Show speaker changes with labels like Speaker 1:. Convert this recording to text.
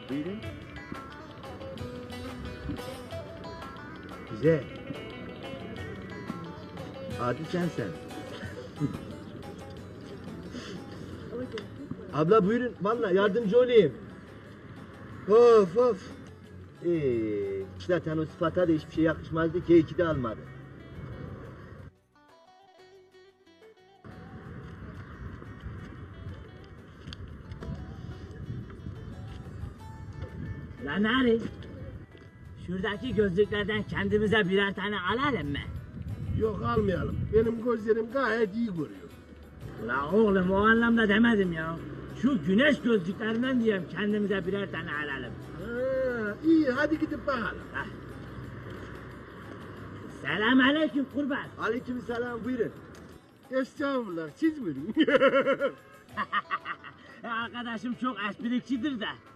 Speaker 1: Buyurun. Güzel. Adi sensen. Abla buyurun, vallahi yardımcı olayım. Of of. Zaten o sıfata da hiçbir şey yakışmazdı ki iki de almadı.
Speaker 2: Lan Ari, şuradaki gözlüklerden kendimize birer tane alalım mı?
Speaker 3: Yok almayalım. Benim gözlerim gayet iyi görüyor.
Speaker 2: La oğlum o anlamda demedim ya. Şu güneş gözlüklerinden diyeyim kendimize birer tane alalım.
Speaker 3: Ha, iyi hadi gidip bakalım.
Speaker 2: Selamünaleyküm kurban.
Speaker 1: Aleykümselam, buyurun.
Speaker 3: Estağfurullah siz buyurun.
Speaker 2: Arkadaşım çok esprikçidir de.